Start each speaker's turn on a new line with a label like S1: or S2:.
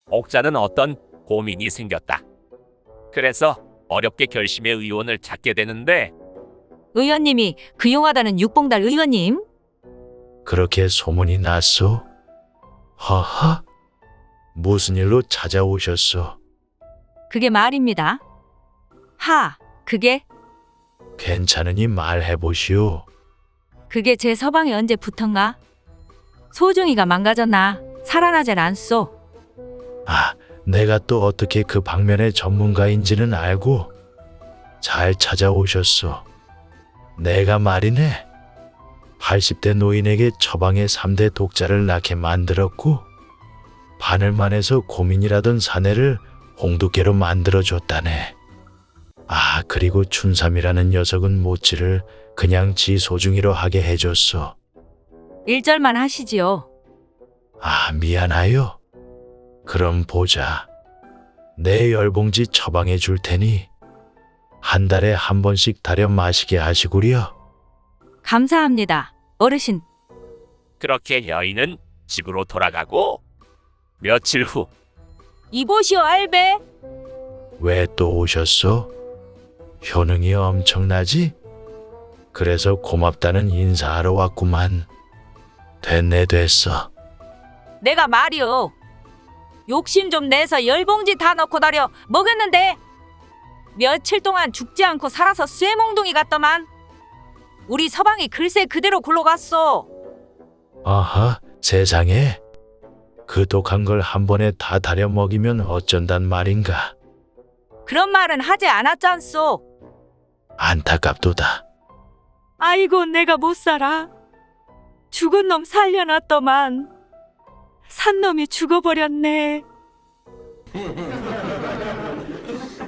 S1: 옥자는 어떤 고민이 생겼다. 그래서 어렵게 결심의 의원을 찾게 되는데
S2: 의원님이 그 용하다는 육봉달 의원님?
S3: 그렇게 소문이 났소? 허허? 무슨 일로 찾아오셨소?
S2: 그게 말입니다. 그게
S3: 괜찮으니 말해보시오.
S2: 그게 제 서방이 언제 붙었가? 소중이가 망가졌나? 살아나질 않소.
S3: 아, 내가 또 어떻게 그 방면의 전문가인지는 알고 잘 찾아오셨소. 내가 말이네. 80대 노인에게 처방의 3대 독자를 낳게 만들었고 바늘만해서 고민이라던 사내를 홍두깨로 만들어줬다네. 아, 그리고 춘삼이라는 녀석은 모찌를 그냥 지 소중이로 하게 해줬어.
S2: 1절만 하시지요.
S3: 아, 미안하요. 그럼 보자. 내 열봉지 처방해 줄 테니 한 달에 한 번씩 다려 마시게 하시구려.
S2: 감사합니다. 어르신,
S1: 그렇게 여인은 집으로 돌아가고 며칠 후
S2: 이보시오 알베.
S3: 왜 또 오셨어? 효능이 엄청나지? 그래서 고맙다는 인사하러 왔구만. 됐네 됐어.
S2: 내가 말이오. 욕심 좀 내서 열봉지 다 넣고 다려 먹였는데 며칠 동안 죽지 않고 살아서 쇠몽둥이 같더만. 우리 서방이 글쎄 그대로 굴러갔어.
S3: 아하, 세상에. 그 독한 걸 한 번에 다 다려 먹이면 어쩐단 말인가.
S2: 그런 말은 하지 않았잖소.
S3: 안타깝도다.
S2: 아이고 내가 못 살아. 죽은 놈 살려놨더만 산 놈이 죽어버렸네.